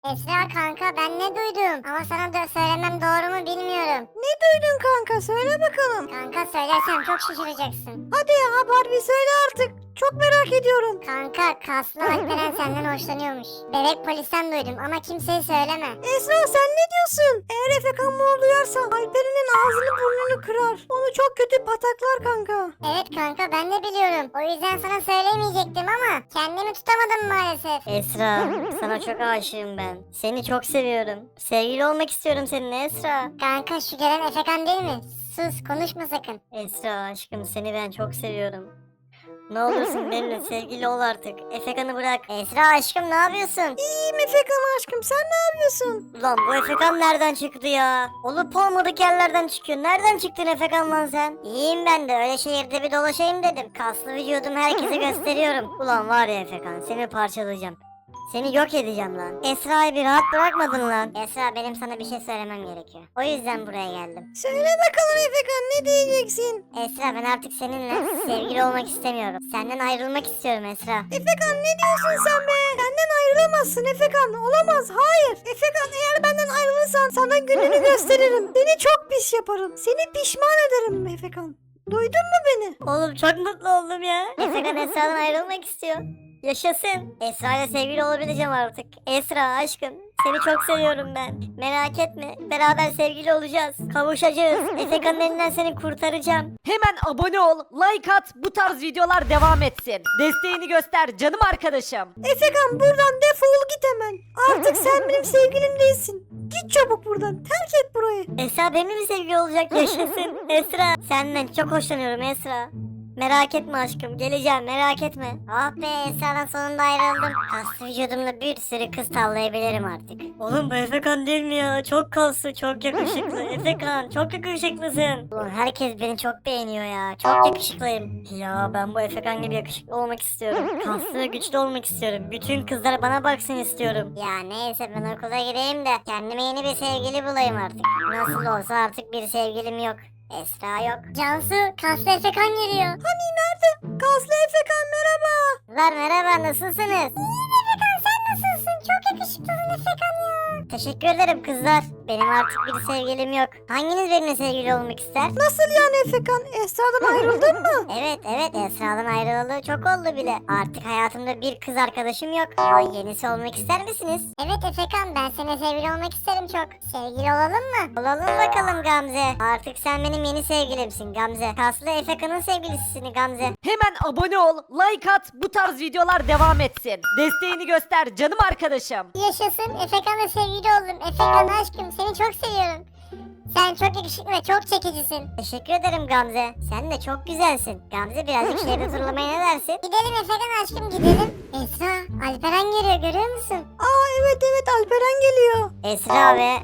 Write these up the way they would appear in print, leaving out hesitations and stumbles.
Esra kanka ben ne duydum? Ama sana da söylemem doğru mu bilmiyorum. Ne duydun kanka? Söyle bakalım. Kanka söylersem çok şaşıracaksın. Hadi ya Barbie söyle artık. Çok merak ediyorum. Kanka kaslı Alperen senden hoşlanıyormuş. Bebek polisten duydum ama kimseye söyleme. Esra sen ne diyorsun? Eğer Efekan bunu duyarsa Alperen'in ağzını burnunu kırar. Onu çok kötü pataklar kanka. Evet kanka ben de biliyorum. O yüzden sana söylemeyecektim ama kendimi tutamadım maalesef. Esra, sana çok aşığım ben. Seni çok seviyorum. Sevgili olmak istiyorum seninle Esra. Kanka şu gelen Efekan değil mi? Sus konuşma sakın. Esra aşkım seni ben çok seviyorum. Ne olursun benimle sevgili ol artık. Efekan'ı bırak. Esra aşkım ne yapıyorsun? İyiyim Efekan aşkım sen ne yapıyorsun? Ulan bu Efekan nereden çıktı ya? Olup olmadık yerlerden çıkıyor. Nereden çıktın Efekan lan sen? İyiyim ben de öyle şehirde bir dolaşayım dedim. Kaslı vücudumu herkese gösteriyorum. Ulan var ya Efekan seni parçalayacağım. Seni yok edeceğim lan. Esra'yı bir rahat bırakmadın lan. Esra benim sana bir şey söylemem gerekiyor. O yüzden buraya geldim. Söyle bakalım Efekan ne diyeceksin? Esra ben artık seninle sevgili olmak istemiyorum. Senden ayrılmak istiyorum Esra. Efekan ne diyorsun sen be? Benden ayrılamazsın Efekan. Olamaz. Hayır. Efekan eğer benden ayrılırsan sana gününü gösteririm. Seni çok pis yaparım. Seni pişman ederim Efekan. Duydun mu beni? Oğlum çok mutlu oldum ya. Efekan Esra'dan ayrılmak istiyor. Yaşasın. Esra ile sevgili olabileceğim artık. Esra aşkım. Seni çok seviyorum ben. Merak etme. Beraber sevgili olacağız. Kavuşacağız. Efekan'ın elinden seni kurtaracağım. Hemen abone ol, like at, bu tarz videolar devam etsin. Desteğini göster canım arkadaşım. Efekan buradan defol git hemen. Artık sen benim sevgilim değilsin. Git çabuk buradan. Terk et burayı. Esra benimle mi sevgili olacak? Yaşasın. Esra. Senden çok hoşlanıyorum Esra. Merak etme aşkım. Geleceğim merak etme. Oh be Esra'dan sonunda ayrıldım. Kaslı vücudumla bir sürü kız tavlayabilirim artık. Oğlum bu Efekan değil mi ya? Çok kaslı, çok yakışıklı. Efekan çok yakışıklısın. Ulan herkes beni çok beğeniyor ya. Çok yakışıklıyım. Ya ben bu Efekan gibi yakışıklı olmak istiyorum. Kaslı ve güçlü olmak istiyorum. Bütün kızlar bana baksın istiyorum. Ya neyse ben okula gireyim de kendime yeni bir sevgili bulayım artık. Nasıl olsa artık bir sevgilim yok. Esra yok. Cansu, kaslı Efekan geliyor. Hani nerede? Kaslı Efekan merhaba. Kızlar merhaba, nasılsınız? İyiyim Efekan, sen nasılsın? Çok yakışıklısın Efekan ya. Teşekkür ederim kızlar. Benim artık bir sevgilim yok. Hanginiz benimle sevgili olmak ister? Nasıl yani Efekan? Esra'dan ayrıldın mı? Evet Esra'dan ayrılalı çok oldu bile. Artık hayatımda bir kız arkadaşım yok. Ama yenisi olmak ister misiniz? Evet Efekan, ben seninle sevgili olmak isterim çok. Sevgili olalım mı? Olalım bakalım Gamze. Artık sen benim yeni sevgilimsin Gamze. Kaslı Efekan'ın sevgilisisin Gamze. Hemen abone ol, like at, bu tarz videolar devam etsin. Desteğini göster canım arkadaşım. Yaşasın, Efekan'la sevgili oldum. Efekan aşkım, seni çok seviyorum. Sen çok yakışıklı ve çok çekicisin. Teşekkür ederim Gamze. Sen de çok güzelsin. Gamze birazcık şehirde turlamaya ne dersin? Gidelim Efekan aşkım gidelim. Esra, Alperen geliyor görüyor musun? Aa evet Alperen geliyor. Esra ve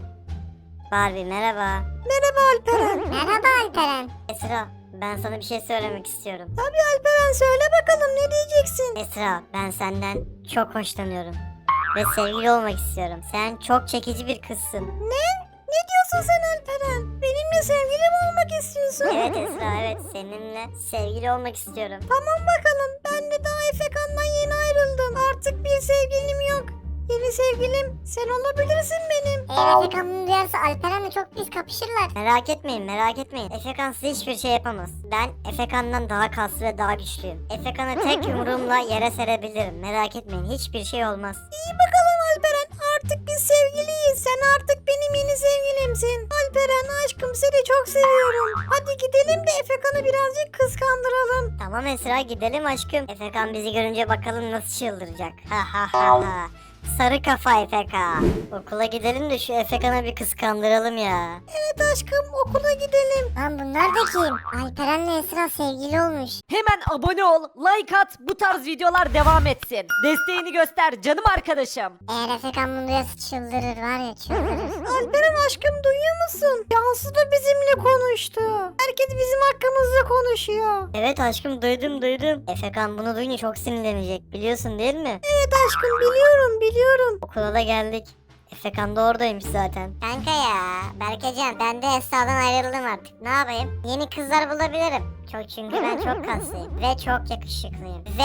Barbie merhaba. Merhaba Alperen. Merhaba Alperen. Esra ben sana bir şey söylemek istiyorum. Tabii Alperen söyle bakalım ne diyeceksin? Esra ben senden çok hoşlanıyorum. Ve sevgili olmak istiyorum. Sen çok çekici bir kızsın. Ne? Ne diyorsun sen Alperen? Benimle sevgili mi olmak istiyorsun? Evet Esra evet seninle sevgili olmak istiyorum. Tamam bakalım ben de daha Efekan'dan yeni ayrıldım. Artık bir sevgilim yok. Yeni sevgilim sen olabilirsin benim. Eğer Efekan bunu duyarsa Alperen'le çok pis kapışırlar. Merak etmeyin. Efekan size hiçbir şey yapamaz. Ben Efekan'dan daha kaslı ve daha güçlüyüm. Efekan'ı tek yumruğumla yere serebilirim. Merak etmeyin hiçbir şey olmaz. İyi bakalım Alperen artık biz sevgiliyiz. Sen artık benim yeni sevgilimsin. Alperen aşkım seni çok seviyorum. Hadi gidelim de Efekan'ı birazcık kıskandıralım. Tamam Esra gidelim aşkım. Efekan bizi görünce bakalım nasıl çıldıracak. Ha ha ha ha. Sarı kafa Efekan. Okula gidelim de şu Efekan'ı bir kıskandıralım ya. Evet aşkım okula gidelim. Lan bunlar da kim? Alperen'le Esra sevgili olmuş. Hemen abone ol, like at, bu tarz videolar devam etsin. Desteğini göster canım arkadaşım. Eğer Efekan bunu duyarsa çıldırır var ya çıldırır. Alperen aşkım duyuyor musun? Cansu da bizimle konuştu. Herkes bizim hakkımızda konuşuyor. Evet aşkım duydum. Efekan bunu duyunca çok sinirlenecek biliyorsun değil mi? Evet aşkım biliyorum. Okula da geldik. Efekan da oradaymış zaten. Kanka ya Berkecan ben de Esra'dan ayrıldım artık. Ne yapayım? Yeni kızlar bulabilirim. Çünkü ben çok kaslıyım ve çok yakışıklıyım. Ve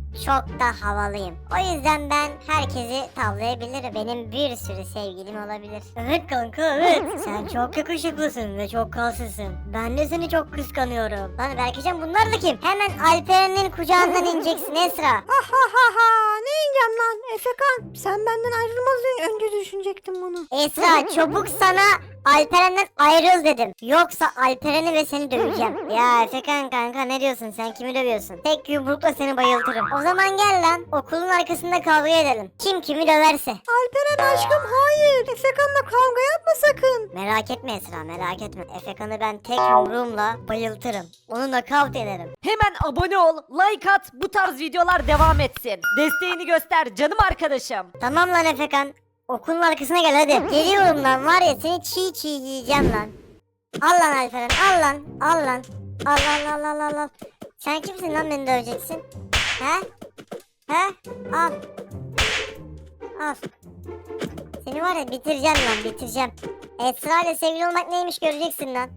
çok da havalıyım. O yüzden ben herkesi tavlayabilirim. Benim bir sürü sevgilim olabilir. Evet kanka evet. Sen çok yakışıklısın ve çok kalsızsın. Ben de seni çok kıskanıyorum. Lan Berkecan bunlar da kim? Hemen Alperen'in kucağından ineceksin Esra. Ha ha ha ha. Ne ineceğim lan Efekan? Sen benden ayrılmaz önce düşünecektim bunu. Esra çabuk sana Alperen'den ayrıl dedim. Yoksa Alperen'i ve seni döveceğim. Ya Efekan kanka ne diyorsun, sen kimi dövüyorsun? Tek yumrukla seni bayıltırım. O zaman gel lan okulun arkasında kavga edelim. Kim kimi döverse. Alperen aşkım hayır. Efekan'la kavga yapma sakın. Merak etme Esra, merak etme. Efekan'ı ben tek yumruğumla bayıltırım. Onu nakavt ederim. Hemen abone ol, like at, bu tarz videolar devam etsin. Desteğini göster canım arkadaşım. Tamam lan Efekan. Okulun arkasına gel hadi. Geliyorum lan var ya seni çiğ çiğ yiyeceğim lan. Al lan Alperen al lan. Al lan. Al al al al al. Sen kimsin lan beni döveceksin? He? He? Al. Al. Seni var ya bitireceğim lan bitireceğim. Esra ile sevgili olmak neymiş göreceksin lan.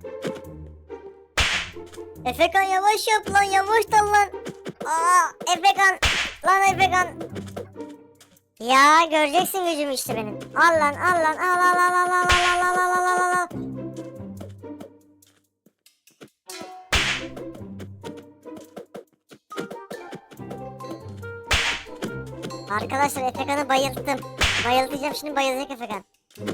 Efekan yavaş yap lan yavaş dal lan. Aa Efekan. Lan Efekan. Ya göreceksin gücümü işte benim. Al lan al lan al al al al al al al al al al. Arkadaşlar Efekan'ı bayılttım. Bayıltacağım şimdi bayılacak Efekan.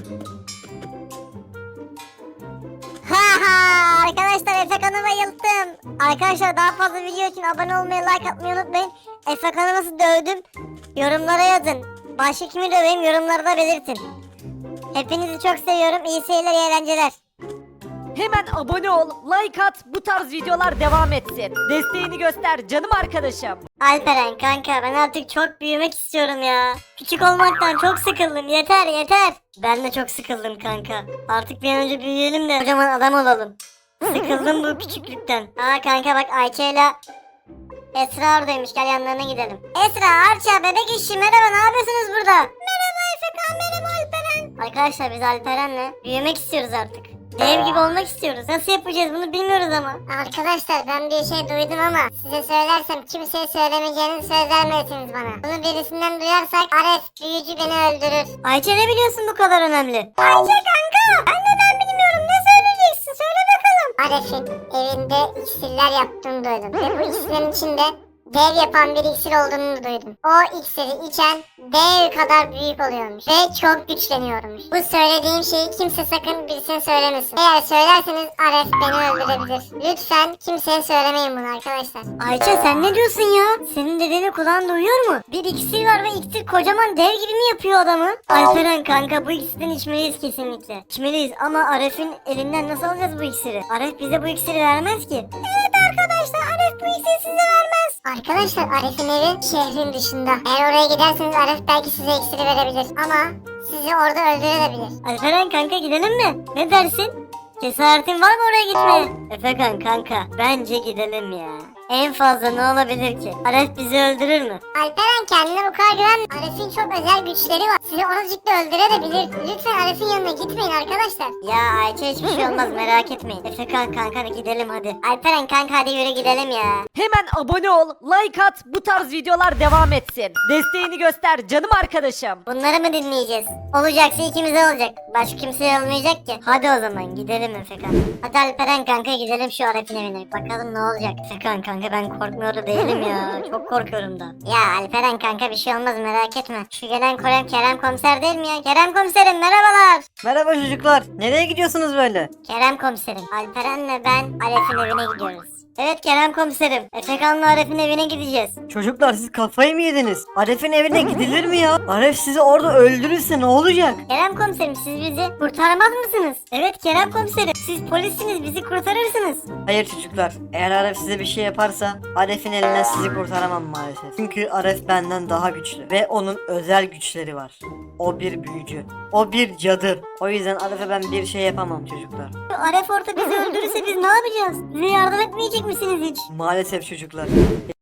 Ha ha arkadaşlar Efekan'ı bayılttım. Arkadaşlar daha fazla video için abone olmayı like atmayı unutmayın. Efekan'ı nasıl dövdüm yorumlara yazın. Başka kimi döveyim yorumlarda belirtin. Hepinizi çok seviyorum. İyi seyirler, iyi eğlenceler. Hemen abone ol, like at, bu tarz videolar devam etsin. Desteğini göster canım arkadaşım. Alperen kanka ben artık çok büyümek istiyorum ya. Küçük olmaktan çok sıkıldım. Yeter yeter. Ben de çok sıkıldım kanka. Artık bir an önce büyüyelim de kocaman adam olalım. Sıkıldım bu küçüklükten. Aa kanka bak Ayça ile Esra oradaymış. Gel yanlarına gidelim. Esra, Arça, bebek işi merhaba ne yapıyorsunuz burada? Merhaba Efekan, merhaba Alperen. Arkadaşlar biz Alperen'le büyümek istiyoruz artık. Dev gibi olmak istiyoruz. Nasıl yapacağız bunu bilmiyoruz ama. Arkadaşlar ben bir şey duydum ama size söylersem kimseye söylemeyeceğinizi söz vermelisiniz bana. Bunu birisinden duyarsak Aref büyücü beni öldürür. Ayça ne biliyorsun bu kadar önemli? Ayça kanka ben neden bilmiyorum ne söyleyeceksin söyle bakalım. Aref'in evinde iksirler yaptığını duydum ve bu iksirin içinde dev yapan bir iksir olduğunu duydum. O iksiri içen dev kadar büyük oluyormuş ve çok güçleniyormuş. Bu söylediğim şeyi kimse sakın birisine söylemesin. Eğer söylerseniz Aref beni öldürebilir. Lütfen kimseye söylemeyin bunu arkadaşlar. Ayça sen ne diyorsun ya? Senin dediğini kulağın duyuyor mu? Bir iksir var ve iksir kocaman dev gibi mi yapıyor adamı? Alperen kanka bu iksirden içmeliyiz kesinlikle. İçmeliyiz ama Aref'in elinden nasıl alacağız bu iksiri? Aref bize bu iksiri vermez ki. Evet arkadaşlar Aref bu iksiri size vermez. Arkadaşlar Aref'in evi şehrin dışında. Eğer oraya giderseniz Aref belki size iksiri verebilir. Ama sizi orada öldürebilir. Alperen kanka gidelim mi? Ne dersin? Cesaretin var mı oraya gitmeye? Efekan kanka bence gidelim ya. En fazla ne olabilir ki? Aref bizi öldürür mü? Alperen kendine bu kadar güven. Aref'in çok özel güçleri var. Sizi oracık da öldürebilir. Lütfen Aref'in yanına gitmeyin arkadaşlar. Ya Ayça hiçbir şey olmaz merak etmeyin. Efekan kanka gidelim hadi. Alperen kanka hadi yürü gidelim ya. Hemen abone ol, like at, bu tarz videolar devam etsin. Desteğini göster canım arkadaşım. Bunları mı dinleyeceğiz? Olacaksa ikimize olacak. Başka kimseye olmayacak ki. Hadi o zaman gidelim Efekan. Hadi Alperen kanka gidelim şu Aref'in evine. Bakalım ne olacak. Efekan kanka ben korkmuyor da değilim ya. Çok korkuyorum da. Ya Alperen kanka bir şey olmaz merak etme. Şu gelen Kerem komiser değil mi ya? Kerem komiserim merhabalar. Merhaba çocuklar. Nereye gidiyorsunuz böyle? Kerem komiserim. Alperen'le ben Aref'in evine gidiyoruz. Evet Kerem komiserim. Efekan'la Aref'in evine gideceğiz. Çocuklar siz kafayı mı yediniz? Aref'in evine gidilir mi ya? Aref sizi orada öldürürse ne olacak? Kerem komiserim siz bizi kurtaramaz mısınız? Evet Kerem komiserim. Siz polissiniz bizi kurtarırsınız. Hayır çocuklar. Eğer Aref size bir şey yaparsa Aref'in elinden sizi kurtaramam maalesef. Çünkü Aref benden daha güçlü ve onun özel güçleri var. O bir büyücü. O bir cadı. O yüzden Aref'e ben bir şey yapamam çocuklar. Aref orada bizi öldürürse biz ne yapacağız? Bize yardım etmeyecek misiniz hiç? Maalesef çocuklar.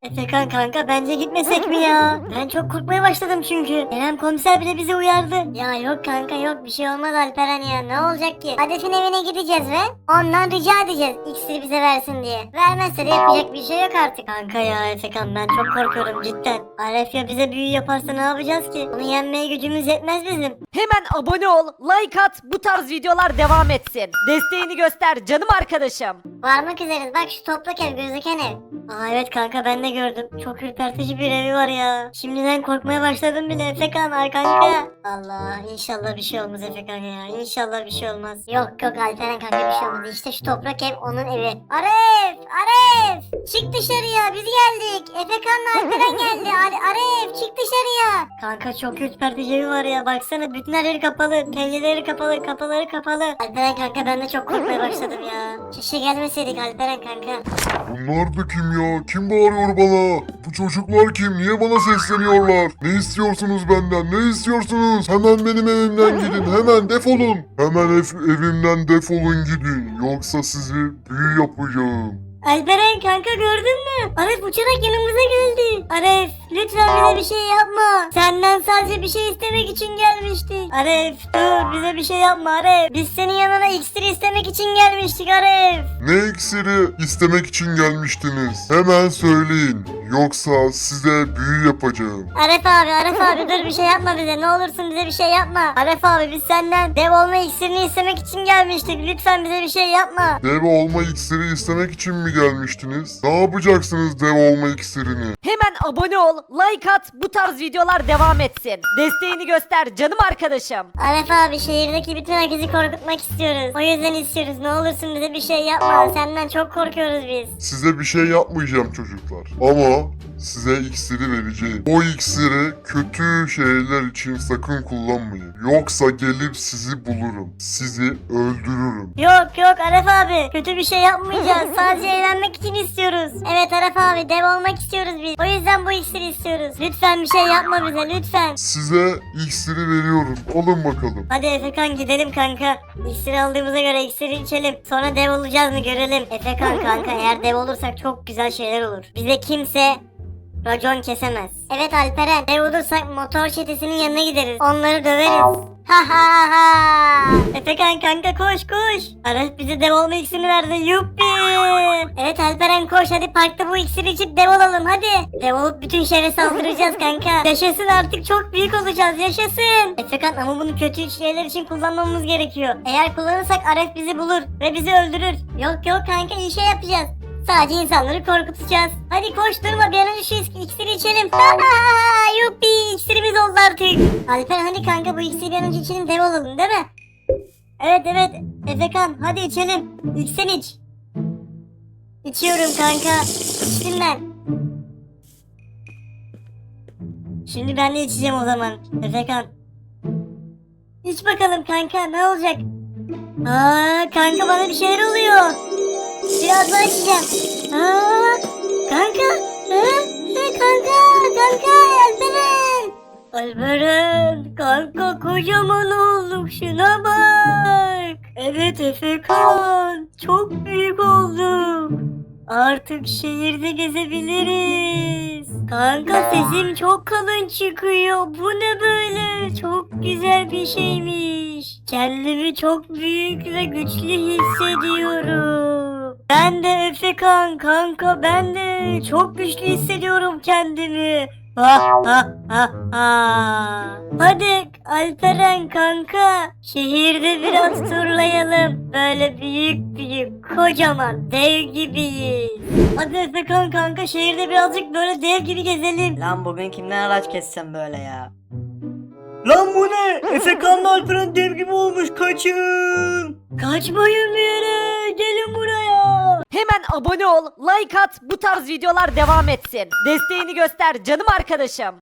Efekan kanka bence gitmesek mi ya? Ben çok korkmaya başladım çünkü. Kerem komiser bile bizi uyardı. Ya yok kanka yok bir şey olmaz Alperen ya ne olacak ki? Aref'in evine gideceğiz ve ondan rica edeceğiz iksiri bize versin diye. Vermezse de yapacak bir şey yok artık. Kanka ya Efekan ben çok korkuyorum cidden. Aref ya bize büyü yaparsa ne yapacağız ki? Onu yenmeye gücümüz yetmez bizim. Hemen abone ol, like at, bu tarz videolar devam etsin. Desteğini göster canım arkadaşım. Varmak üzereyiz. Bak şu toprak ev, gözüken ev. Aa evet kanka ben de gördüm. Çok ürpertici bir evi var ya. Şimdiden korkmaya başladım bile Efekan ay kanka. Allah inşallah bir şey olmaz Efekan ya. İnşallah bir şey olmaz. Yok yok Alperen kanka bir şey olmaz. İşte şu toprak ev onun evi. Aref! Aref! Çık dışarıya biz geldik. Efekan'la Alperen geldi. Aref çık dışarıya. Kanka çok ürpertici evi var ya. Baksana bütün her yeri kapalı. Pencereleri kapalı. Kapıları kapalı. Alperen kanka ben de çok korkmaya başladım ya. Keşke gelmeseydik Alperen kanka. Bunlar da kim ya? Kim bağırıyor bana? Bu çocuklar kim? Niye bana sesleniyorlar? Ne istiyorsunuz benden? Ne istiyorsunuz? Hemen benim evimden gidin. Hemen defolun. Hemen evimden defolun gidin. Yoksa sizi büyü yapacağım. Alperen kanka gördün mü? Aref uçarak yanımıza geldi. Aref lütfen bize bir şey yapma. Senden sadece bir şey istemek için gelmiştik. Aref dur bize bir şey yapma Aref. Biz senin yanına iksir istemek için gelmiştik Aref. Ne iksiri istemek için gelmiştiniz? Hemen söyleyin. Yoksa size büyü yapacağım. Aref abi dur bir şey yapma bize. Ne olursun bize bir şey yapma. Aref abi biz senden dev olma iksirini istemek için gelmiştik. Lütfen bize bir şey yapma. Dev olma iksiri istemek için mi gelmiştiniz? Ne yapacaksınız dev olma iksirini? Hemen abone ol, like at, bu tarz videolar devam etsin. Desteğini göster canım arkadaşım. Aref abi şehirdeki bütün herkesi korkutmak istiyoruz. O yüzden istiyoruz. Ne olursun bize bir şey yapma. Senden çok korkuyoruz biz. Size bir şey yapmayacağım çocuklar. Ama size iksiri vereceğim. O iksiri kötü şeyler için sakın kullanmayın. Yoksa gelip sizi bulurum. Sizi öldürürüm. Yok Aref abi. Kötü bir şey yapmayacağız. Sadece eğlenmek için istiyoruz. Evet Aref abi dev olmak istiyoruz biz. O yüzden bu iksiri istiyoruz. Lütfen bir şey yapma bize lütfen. Size iksiri veriyorum. Alın bakalım. Hadi Efekan gidelim kanka. İksiri aldığımıza göre iksiri içelim. Sonra dev olacağız mı görelim. Efekan kanka eğer dev olursak çok güzel şeyler olur. Bize kimse racon kesemez. Evet Alperen. Dev olursak motor çetesinin yanına gideriz. Onları döveriz. Ha ha ha. Efekan kanka koş. Aref bize dev olma iksirini verdi. Yuppi. Evet Alperen koş hadi parkta bu iksiri içip dev olalım hadi. Dev olup bütün şehre saldıracağız kanka. Yaşasın artık çok büyük olacağız yaşasın. Efekan ama bunu kötü şeyler için kullanmamız gerekiyor. Eğer kullanırsak Aref bizi bulur ve bizi öldürür. Yok kanka iyi şey yapacağız. Sadece insanları korkutacağız. Hadi koş durma bir an önce şu iksiri içelim. Yuppi iksirimiz oldu artık. Alper hadi kanka bu iksiri bir an önce içelim dev olalım değil mi? Evet Efekan hadi içelim. İlk sen iç. İçiyorum kanka. İçtim ben. Şimdi ben de içeceğim o zaman. Efekan. İç bakalım kanka ne olacak? Kanka bana bir şeyler oluyor. Biraz daha içeceğim. Kanka. Kanka Alperen kanka kocaman olduk şuna bak. Evet Efekan çok büyük olduk. Artık şehirde gezebiliriz. Kanka sesim çok kalın çıkıyor. Bu ne böyle? Çok güzel bir şeymiş. Kendimi çok büyük ve güçlü hissediyorum. Ben de Efekan kanka ben de çok güçlü hissediyorum kendimi. Hadi Alperen kanka şehirde biraz turlayalım. Böyle büyük kocaman dev gibiyiz. Hadi Efekan kanka şehirde birazcık böyle dev gibi gezelim. Lan bugün kimden araç kessem böyle ya? Lan bu ne? Efekan'la Alperen dev gibi olmuş kaçın. Kaçmayın bir yere gelin buraya. Hemen abone ol, like at, bu tarz videolar devam etsin. Desteğini göster canım arkadaşım.